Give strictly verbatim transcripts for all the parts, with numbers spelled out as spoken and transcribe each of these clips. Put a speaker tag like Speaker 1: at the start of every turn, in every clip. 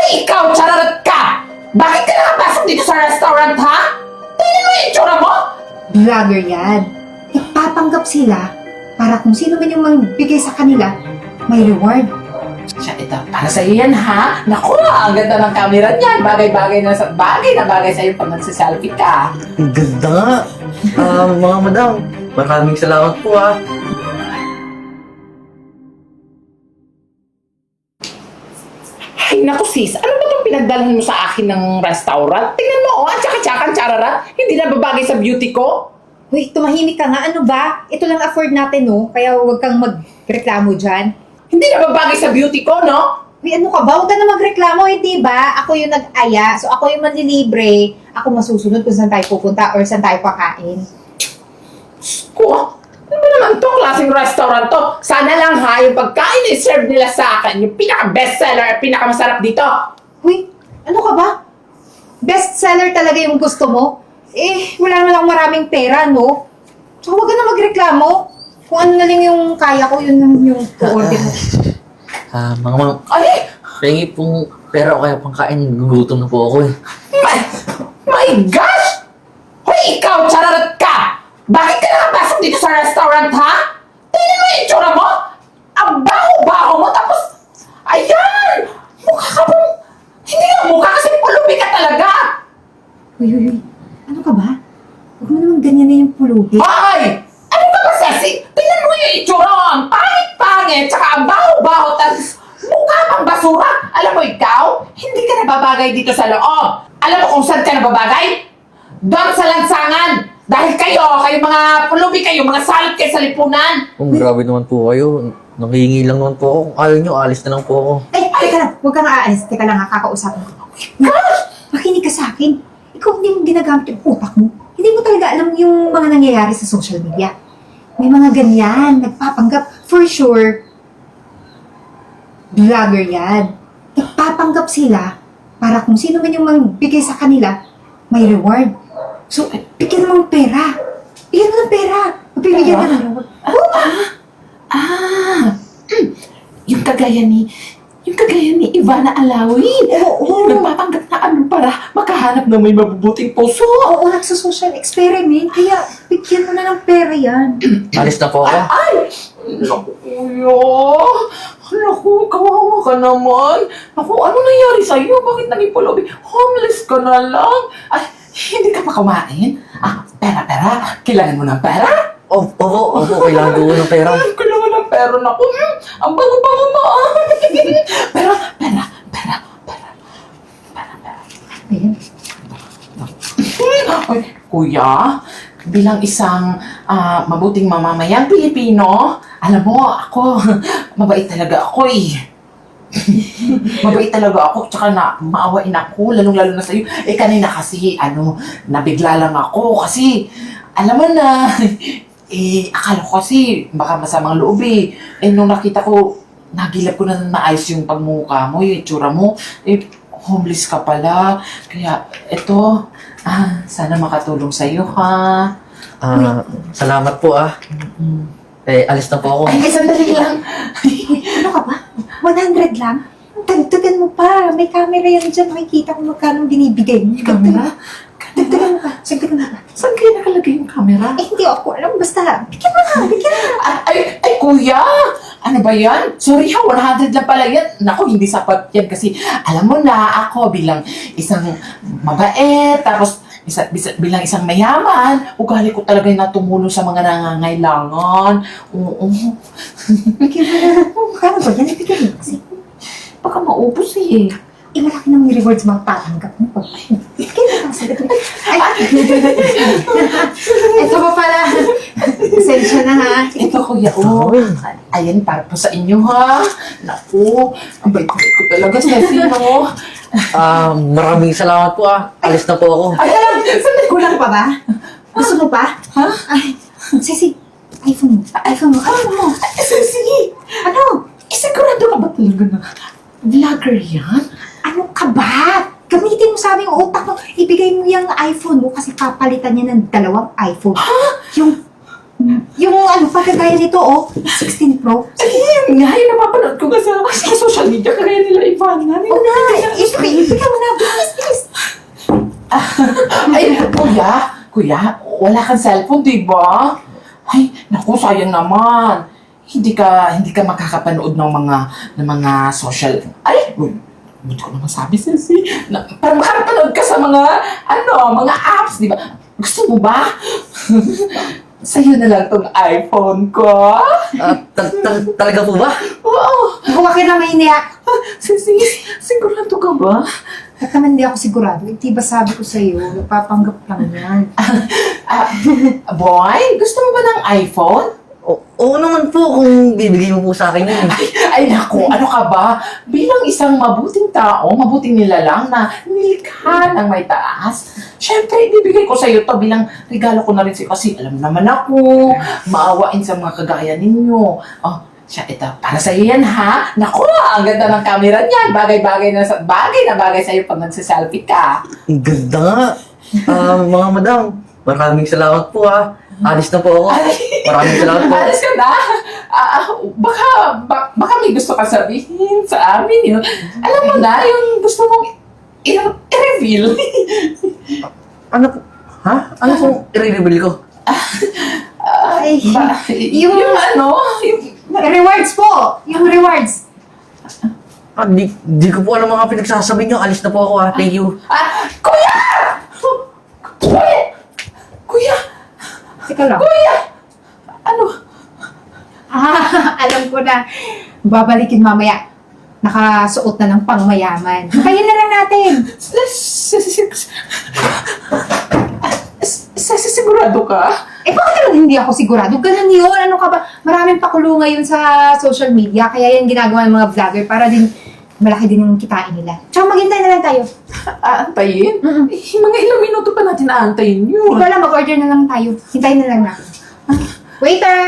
Speaker 1: Hoy, ikaw, chararat ka! Bakit ka nakapasok dito sa restaurant, ha? Tingnan mo yung itsura mo!
Speaker 2: Vlogger yan. Nagpapanggap sila para kung sino man yung magbigay sa kanila, may reward.
Speaker 1: Siya, ito, para sa'yo yan, ha? Naku, ang ganda ng camera niyan. Bagay-bagay na sa bagay na bagay sa'yo pag nagsiselfie ka.
Speaker 3: Ang ganda nga. Ah, mga madam, maraming salamat po ah.
Speaker 1: Ay, naku sis, ano ba itong pinagdalhan mo sa akin ng restaurant? Tingnan mo, oh, ang tsaka-tsakan tsarara. Hindi na babagay sa beauty ko.
Speaker 2: Uy, tumahimik ka nga. Ano ba? Ito lang afford natin, no? Kaya huwag kang magreklamo dyan.
Speaker 1: Hindi na babagay sa beauty ko, no?
Speaker 2: Uy, ano ka ba? Huwag ka na magreklamo, hindi ba? Ako yung nag-aya, so ako yung manlilibre. Ako masusunod kung saan tayo pupunta or saan tayo kakain.
Speaker 1: Ko, ano ba naman to? Klaseng restaurant to. Sana lang ha, yung pagkain na serve nila sa akin, yung pinaka-bestseller at pinaka-masarap dito.
Speaker 2: Uy, ano ka ba? Best seller talaga yung gusto mo? Eh, wala naman akong maraming pera, no? So, huwag ka na magreklamo. Kung ano na lang yung kaya ko, yun lang yung order mo.
Speaker 3: Ah, mga ma'am,
Speaker 1: Ay,
Speaker 3: pengi pong pera o kaya pangkain, gugutom na po ako eh.
Speaker 1: my, my gosh! Hoy, ikaw, chararat ka! Bakit ka nakapasok dito sa restaurant, ha? Tingnan mo yung itsura mo! Ang baho-baho mo, tapos, ayan! Mukha ka pong, hindi lang mukha kasi pulubi ka talaga!
Speaker 2: Uy, uy, uy. Ano ka ba? Huwag mo naman ganyan na yung pulubi.
Speaker 1: Ay! Ano ka ba, Ceci? Tingnan mo yung itsura mo! Ang pangit-pangit! Tsaka ang baho-baho! Tapos mukha pang basura! Alam mo ikaw, hindi ka nababagay dito sa loob! Alam mo kung saan ka nababagay? Doon sa lansangan! Dahil kayo, kayo mga pulubi kayo, mga salot kayo sa lipunan!
Speaker 3: Kung grabe naman po kayo, nangihingi lang naman po ako. Kung ayaw nyo, alis na lang po ako.
Speaker 2: Ay, teka lang. Huwag kang aalis. Teka lang, ha, kakausapin ko. Gosh! Makinig ka sa akin. Ikaw hindi mo ginagamit yung utak mo. Hindi mo talaga alam yung mga nangyayari sa social media. May mga ganyan, nagpapanggap. For sure, vlogger yan. Nagpapanggap sila para kung sino man yung magbigay sa kanila, may reward. So, bigyan mo ng pera. Bigyan mo ng pera. Mabibigyan ka ng reward.
Speaker 1: Ah! Yung kagaya ni... Yung kagaya ni Ivana Alawin!
Speaker 2: Oo.
Speaker 1: Nagpapanggap na ano para makahanap ng may mabubuting puso!
Speaker 2: Oo, nagsa-social experiment. Kaya, bigyan mo na ng pera yan.
Speaker 3: Alis na po ako.
Speaker 1: Ay! Naku, kuya! Naku, kawawa ka naman! Naku, ano nangyari sa'yo? Bakit naging pulubi? Homeless ka na lang! Ay, hindi ka pa kumain? Ah, pera, pera! Kailangan mo ng pera?
Speaker 3: Oh, oo, opo, kailangan ko ng pera.
Speaker 1: Ay, kailangan ng pera. Naku, mm, ang bango-bango mo! ah. Pera, pera, pera, pera. Pera, pera.
Speaker 2: Ayan.
Speaker 1: Ay, kuya, bilang isang ah, mabuting mamamayang Pilipino, alam mo, ako, mabait talaga ako eh. Mabait talaga ako, tsaka na maawain ako, lalong-lalo na sa'yo. Eh, kanina kasi, ano, nabigla lang ako kasi, alam mo na, eh, akala ko kasi, baka masamang loob eh. Eh, nung nakita ko, nagilap ko na naayos yung pagmukha mo, yung itsura mo, eh, homeless ka pala. Kaya, eto, ah, sana makatulong sa'yo, ha?
Speaker 3: Ah, salamat po ah. Eh, alis na po ako.
Speaker 1: Ay, sandali lang.
Speaker 2: Ano ka ba? one hundred lang? Dagdagan mo pa. May camera yan dyan. Makikita kung magkano binibigay mo.
Speaker 1: Camera?
Speaker 2: Dagdagan mo pa. Dagdagan mo pa.
Speaker 1: Saan kayo nakalagay yung camera?
Speaker 2: Eh, hindi ako alam. Basta, bigyan mo na. Bigyan mo na.
Speaker 1: Ay, ay, ay, kuya! Ano ba yan? Sorry ha, one hundred lang pala yan. Naku, hindi sapat yan kasi alam mo na ako bilang isang mabait, tapos isa, bisa, bilang isang mayaman, ugali ko talaga na tumulong sa mga nangangailangan. Oo.
Speaker 2: Bigyan mo na. Oh, magkano ba yan? Bigyan mo kasi.
Speaker 1: Baka maubos eh.
Speaker 2: Eh, malaki ng rewards mga patanggap mo. Bigyan mo na. Sagot mo. Ay, ito pa pala. Pasensya na ha.
Speaker 1: Ito kuya, oh. Ayan, para po sa inyo ha. Naku, ang bait-bait ko talaga, Ceci, no?
Speaker 3: Ah, maraming salamat po ah. Alis na po ako.
Speaker 1: Ay, alam, sandali.
Speaker 2: Kulang pa ba? Gusto mo pa?
Speaker 1: Ha?
Speaker 2: Ay, Ceci, iPhone mo. iPhone mo. iPhone mo.
Speaker 1: Ay, Ceci!
Speaker 2: Ano?
Speaker 1: Eh, sigurado ka ba talaga na vlogger yan?
Speaker 2: Ano ka ba? Gamitin mo sa aming utak mo. Ibigay mo yung iPhone mo kasi papalitan niya ng dalawang iPhone.
Speaker 1: Ha?
Speaker 2: Yung, yung ano, pagkagaya nito, oh, sixteen Pro.
Speaker 1: Ay, nga, yung napapanood ko nga sa, sa social media, kagaya nila Ivana.
Speaker 2: Oo na, ibigay
Speaker 1: kuya, kuya, wala kang cellphone, di ba? Ay, naku, sayang naman. Hindi ka, hindi ka makakapanood ng mga, ng mga social, ay, uy, buti ko naman sabi, Sisi, na, para makapanood ka sa mga, ano, mga apps, di ba? Gusto mo ba? Sa'yo na lang tong iPhone ko.
Speaker 3: Ah, tal- tal- talaga po ba?
Speaker 1: Oo.
Speaker 2: Huwag ka na mainiyak.
Speaker 1: Sisi, sigurado ka ba?
Speaker 2: At naman hindi ako sigurado. Hindi ba sabi ko sa'yo, napapanggap lang yan.
Speaker 1: Ah, boy, gusto mo ba ng iPhone?
Speaker 3: O- oo naman po kung bibigay mo po sa akin yun.
Speaker 1: Ay naku, ano ka ba? Bilang isang mabuting tao, mabuting nilalang na nilikha ng may taas, syempre, ibibigay ko sa iyo to bilang regalo ko na rin sa'yo kasi alam naman ako, maawain sa mga kagaya ninyo. Oh, siya, ito, para sa'yo yan ha. Naku, ang ganda ng camera niyan. Bagay-bagay na sa bagay na bagay sa'yo pag nagsiselfie ka.
Speaker 3: Ang ganda nga. Ah, mga madam, maraming salamat po ah. Alis na po ako. Maraming salamat po.
Speaker 1: Alis ka na. Ah, baka, ba- baka may gusto ka sabihin sa amin. Yun. Alam mo na, yung gusto mong i- i-reveal.
Speaker 3: Ano po? Ha? Ano pong i-reveal ko?
Speaker 2: Ay,
Speaker 1: Ba,
Speaker 2: yung-
Speaker 1: yung ano, yung,
Speaker 2: rewards po! Yung rewards.
Speaker 3: Ah, di, di ko po alam mga pinagsasabi niyo. Alis na po ako ah. Thank you.
Speaker 1: ah, kuya! Kuya! Kuya!
Speaker 2: Teka lang.
Speaker 1: Kuya! Ano?
Speaker 2: Ah, alam ko na. Babalikin mamaya. Nakasuot na ng pangmayaman. Kaya na lang natin.
Speaker 1: Sigurado ka?
Speaker 2: Eh, bakit naman hindi ako sigurado? Ganun yun. Ano ka ba? Maraming pakulo ngayon sa social media. Kaya yan ginagawa ng mga vlogger para din malaki din yung kitain nila. Tsaka maghintay na lang tayo.
Speaker 1: Aantayin?
Speaker 2: Mm-mm.
Speaker 1: Eh, mga ilang minuto pa natin aantayin yun.
Speaker 2: Ikaw lang, mag-order na lang tayo. Hintayin na lang natin. Waiter!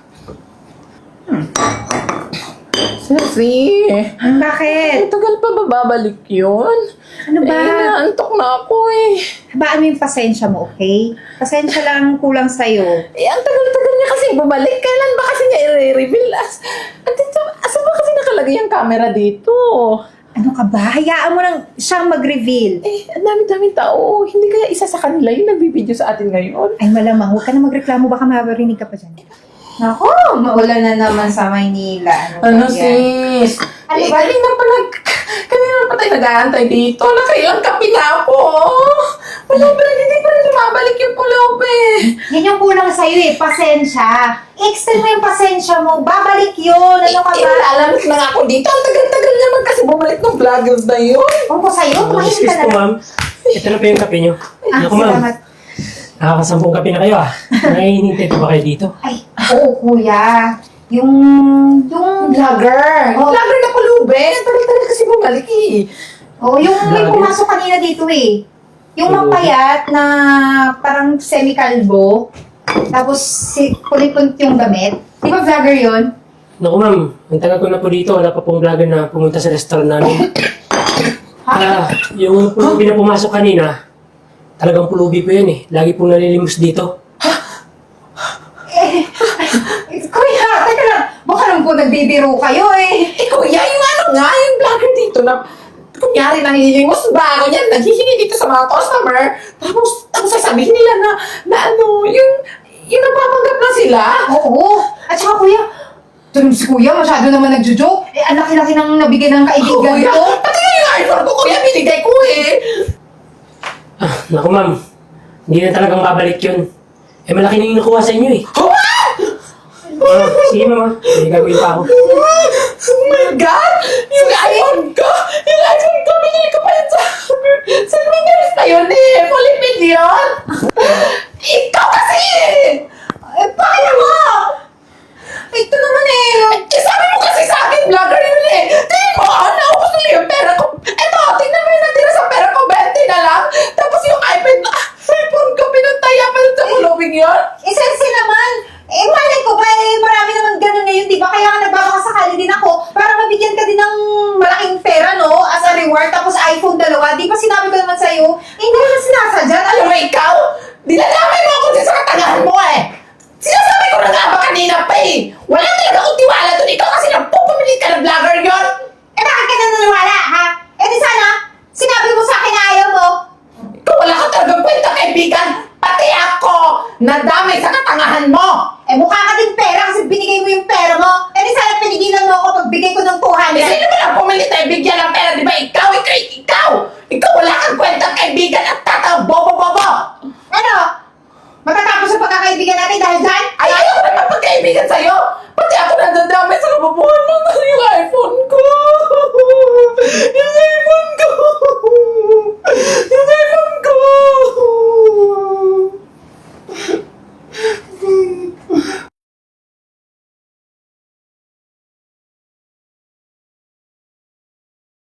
Speaker 1: Sisi,
Speaker 2: Bakit?
Speaker 1: tagal pa ba babalik yun?
Speaker 2: Ano ba?
Speaker 1: Eh, naantok na ako eh.
Speaker 2: Habaan mo yung pasensya mo, okay? Pasensya lang kulang sa'yo.
Speaker 1: Eh, ang tagal-tagal niya kasi bumalik. Kailan ba kasi niya i-reveal? As, at ito, asan ba kasi nakalagay ang camera dito?
Speaker 2: Ano ka ba? Hayaan mo lang siyang mag-reveal.
Speaker 1: Eh, ang dami-daming tao. Hindi kaya isa sa kanila yung nagbibideo sa atin ngayon?
Speaker 2: Ay, malamang. Huwag ka na magreklamo. Baka marinig ka pa dyan. Ako, maulan na naman sa Maynila.
Speaker 1: Ano,
Speaker 2: ba yan?
Speaker 1: sis?
Speaker 2: Ano
Speaker 1: Eh,
Speaker 2: ba?
Speaker 1: kanina pa nag... Kanina pa tayo nag-aantay dito. Nakailang kape na ako. Wala pa rin, hindi pa rin lumabalik yung pulob eh.
Speaker 2: Yan yung kulang sa'yo eh. Pasensya. Extend mo yung pasensya mo. Babalik yun. Ano ka ba?
Speaker 1: Ilalamig na nga ako dito. Ang tagal-tagal naman kasi bumalik ng vloggers na yun.
Speaker 2: Kung ko sa'yo, tumahimik
Speaker 4: Excuse
Speaker 2: ka na
Speaker 4: po,
Speaker 2: lang.
Speaker 4: ma'am. Ito na po yung kape nyo.
Speaker 2: Ah,
Speaker 4: Naku, ma'am.
Speaker 2: salamat.
Speaker 4: Nakakasampung kape na kayo, ah. Naiinintay po ba kayo dito?
Speaker 2: Ay, oo kuya. Yung, yung,
Speaker 1: Vlogger.
Speaker 2: Oh.
Speaker 1: Vlogger na pulube. Ang tagal-tagal kasi bumalik eh.
Speaker 2: oh, yung may
Speaker 4: Grabe.
Speaker 2: pumasok kanina dito eh. Yung
Speaker 4: Pulubi.
Speaker 2: mapayat na parang semi-kalbo. Tapos si kulipont yung damit. Di ba vlogger yun?
Speaker 4: Naku, ma'am. Ang tagal ko na po dito. Wala pa pong vlogger na pumunta sa restaurant namin. Ah, yung pulubi na pumasok kanina, talagang pulubi po yan eh. Lagi pong nalilimos dito.
Speaker 2: Eh, kuya, teka lang. Baka naman po nagbibiro kayo eh.
Speaker 1: Eh kuya, yung ano nga, yung vlogger dito na kunyari nanghihingos bago yan, naghihingi dito sa mga customer, tapos, tapos sasabihin nila na, na ano, yung, yung napapanggap na sila.
Speaker 2: Oo. At saka kuya, Tulog si kuya, masyado naman nagjo-joke. Eh, ang laki-laki nang nabigay ng kaibigan
Speaker 1: Kuya,
Speaker 2: ko.
Speaker 1: pati nga yung iPhone ko, kuya, binigay ko eh.
Speaker 4: Ah, naku, ma'am. Hindi na talagang babalik yun. Eh, malaki na yung nakuha sa inyo eh.
Speaker 1: Oh,
Speaker 4: Ah, sige, ma'am. ah. May gagawin pa ako.
Speaker 1: oh my God! Yung iPhone ko! Yung iPhone ko, binili ko pa yun sa... Sa Winners na yun eh! Fully million! Ikaw kasi!
Speaker 2: Eh, bakit ako?
Speaker 1: Ito naman eh! Eh, sabi mo kasi sa akin, vlogger yun eh! Tingin mo, ah, naubos nila yung pera ko! Eto, tingnan mo yung natira sa pera ko, twenty na lang! Tapos yung iPad, ah, iPhone ko, pinantaya pa yun sa kulubing yun!
Speaker 2: Eh, sensi naman. Eh, malay ko ba, eh, marami naman ganun ngayon, di ba? Kaya nga nagbabakasakali din ako para mabigyan ka din ng malaking pera, no? As a reward, tapos iPhone dalawa. Di ba sinabi ko naman sa'yo? Eh, hindi naman sinasadya.
Speaker 1: Alam mo ikaw, dinadamay mo ako din sa katagahan mo eh! Sinasabi ko na nga ba kanina pa eh! Wala talaga akong tiwala doon ikaw kasi nagpupumilit ka ng vlogger yun!
Speaker 2: Eh, bakit ka naniniwala, ha? Eh, di sana, sinabi mo sa akin na ayaw mo.
Speaker 1: Ikaw wala ka talagang kwenta kaibigan! nadamay sa katangahan mo!
Speaker 2: Eh, mukha ka din pera kasi binigay mo yung pera mo. Eh, di sana pinigilan mo ako pagbigay ko ng two
Speaker 1: Eh,
Speaker 2: hundred.
Speaker 1: sino mo lang pumili tayo bigyan ng pera, di ba? Ikaw, ikaw, ikaw! Ikaw wala kang kwentang kaibigan at tatang bobo-bobo!
Speaker 2: Ano? Matatapos ang pagkakaibigan natin dahil